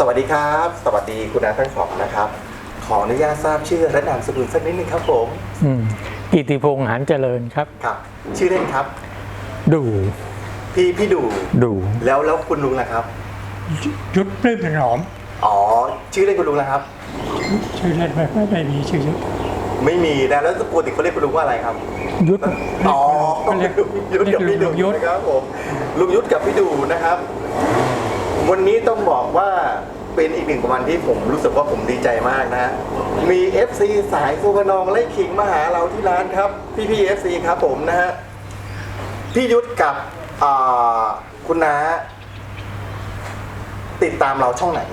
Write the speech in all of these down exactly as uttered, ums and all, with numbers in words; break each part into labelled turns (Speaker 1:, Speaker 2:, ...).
Speaker 1: สวัสดีครับสวัสดีคุณอาทั้งสองนะครับขออนุญาตทราบชื่อและนามสกุลสักนิดนึงครับผม
Speaker 2: อืมกิติพงษ์หานเจริญครับ
Speaker 1: ครับชื่อเล่นครับ
Speaker 2: ดู
Speaker 1: พี่พี่ดู
Speaker 2: ดู
Speaker 1: แล้วแล้วคุณลุงล่ะครับ
Speaker 3: ยุทธปลื้มถนอม
Speaker 1: อ๋อชื่อเล่นคุณลุงล่ะครับ
Speaker 3: ชื่อเล่นไม่ไม่ไม่มีชื่อยุทธ
Speaker 1: ไม่มีนะแล้วปกติเขาเรียกคุณลุงว่าอะไรครับ
Speaker 2: ยุทธ
Speaker 1: อ๋อเรียกยุทธกับพี่ดูนะครับผมลุงยุทธกับพี่ดูนะครับวันนี้ต้องบอกว่าเป็นอีกหนึ่งวันที่ผมรู้สึกว่าผมดีใจมากนะมี เอฟ ซี สายสุวรรณองไล่ขิงมาหาเราที่ร้านครับพี่พี่ เอฟ ซี ครับผมนะฮะพี่ยุทธกับคุณน้าติดตามเราช่องไหน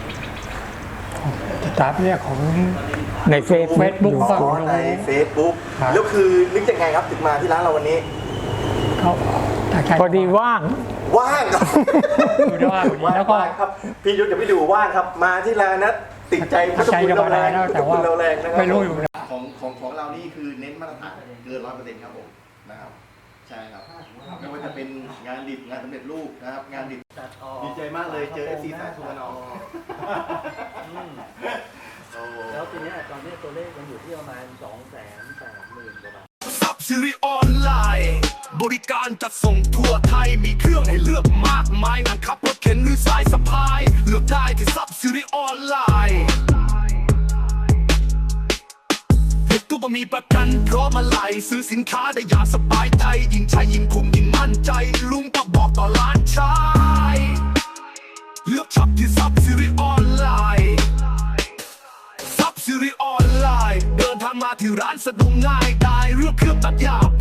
Speaker 3: ติดตามเนี่ยของ
Speaker 2: ในเฟซบุ๊ก
Speaker 1: อ๋อในเฟซบุ๊กแล้วคือนึกยังไงครับถึงมาที่ร้านเราวันนี้
Speaker 3: เขา
Speaker 2: พอดีว่าง
Speaker 1: ว่างครับ
Speaker 3: ว่างแล้วก็
Speaker 1: ครับพี่ยุทธกับพี่ดูว่างครับมาที่ร้านนะติดใจพุทธคุณเราแรงพุทธคุณเราแรงนะครับ
Speaker 3: ไม่รู้อยู่นะ
Speaker 1: ของของของเรานี่คือเน้นมาตรฐานเกินร้อยเปอร์เซ็นต์ครับผมนะครับใช่ครับไม่ว่าจะเป็นงานดิบงานสำเร็จรูปนะครับงานดิบดีใจมากเลยเจอ เอฟ ซี สายสุวรรณอง
Speaker 4: แล้วทีนี้ตอนนี้ตัวเลขมันอยู่ที่ประมาณสองแสนแปดหมื่นกว่าบาท
Speaker 5: ซับซิริออนไลน์บริการจัดส่งทั่วไทยมีเครื่องให้เลือกมากมายนั่งขับรถเข็นหรือสายสะพายเลือกได้ที่ซับซิริออนไลน์ทุกตัวมีประกันพร้อมมาไล่ซื้อสินค้าได้อย่างสบายใจยิ่งใช้ยิ่งคุ้มยิ่งมั่นใจลุงก็บอกต่อล้านชายเลือกช็อปที่ซับซิริออนไลน์ซับซิริออนไลน์เดินทางมาที่ร้านสะดวกง่ายได้เรื่องเครื่องตัดหญ้า